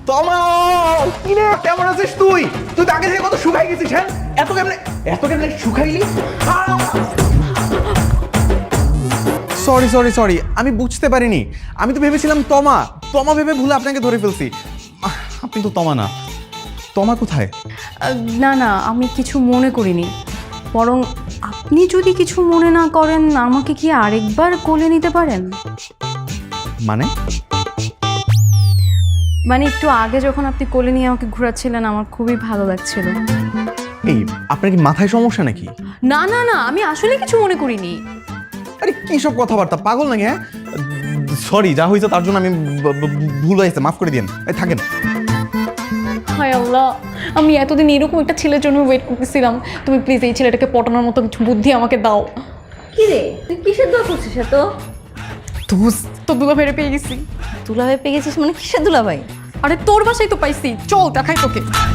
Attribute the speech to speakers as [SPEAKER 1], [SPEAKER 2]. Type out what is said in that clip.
[SPEAKER 1] তমা, কি রে কেমন আছিস তুই? তুই তো আগে থেকে কত শুকাই গেছিস। হ্যাঁ, এত কেমনে শুকাইলি? সরি সরি সরি, আমি বুঝতে পারিনি। আমি তো ভেবেছিলাম তমা তমা ভেবে ভুলে আপনাকে ধরে ফেলছি। আপনি তো তমা না। তমা কোথায়?
[SPEAKER 2] না না, আমি কিছু মনে করিনি। বরং আপনি যদি কিছু মনে না করেন, আমাকে কি আরেকবার কোলে নিতে পারেন?
[SPEAKER 1] মানে?
[SPEAKER 2] মানে একটু আগে যখন আপনি কোলে নিয়ে আমাকে ঘোরাচ্ছিলেন, আমার খুবই ভালো লাগছিল।
[SPEAKER 1] এই, আপনার কি মাথায় সমস্যা নাকি?
[SPEAKER 2] না না না, আমি আসলে কিছু মনে করিনি।
[SPEAKER 1] আরে কি সব কথাবার্তা, পাগল নাকি? হ্যাঁ, সরি, যা হয়েছে তার জন্য আমি ভুল হয়েছে, মাফ করে দিন। থাকেন।
[SPEAKER 2] হায় আল্লাহ, আমি এতদিন এরকম একটা ছেলের জন্য ওয়েট করতেছিলাম। তুমি প্লিজ এই ছেলেটাকে পটানোর মতো কিছু বুদ্ধি আমাকে দাও।
[SPEAKER 3] কি রে, তুই কিসের দোয়া করছিস এত?
[SPEAKER 2] তো দুলা ফেরে পেয়ে গেছি।
[SPEAKER 3] দুলাভাই পেয়ে গেছিস মানে কিসের দুলাভাই?
[SPEAKER 2] আরে তোর বাসায় তো পাইছি, চল দেখাই তোকে।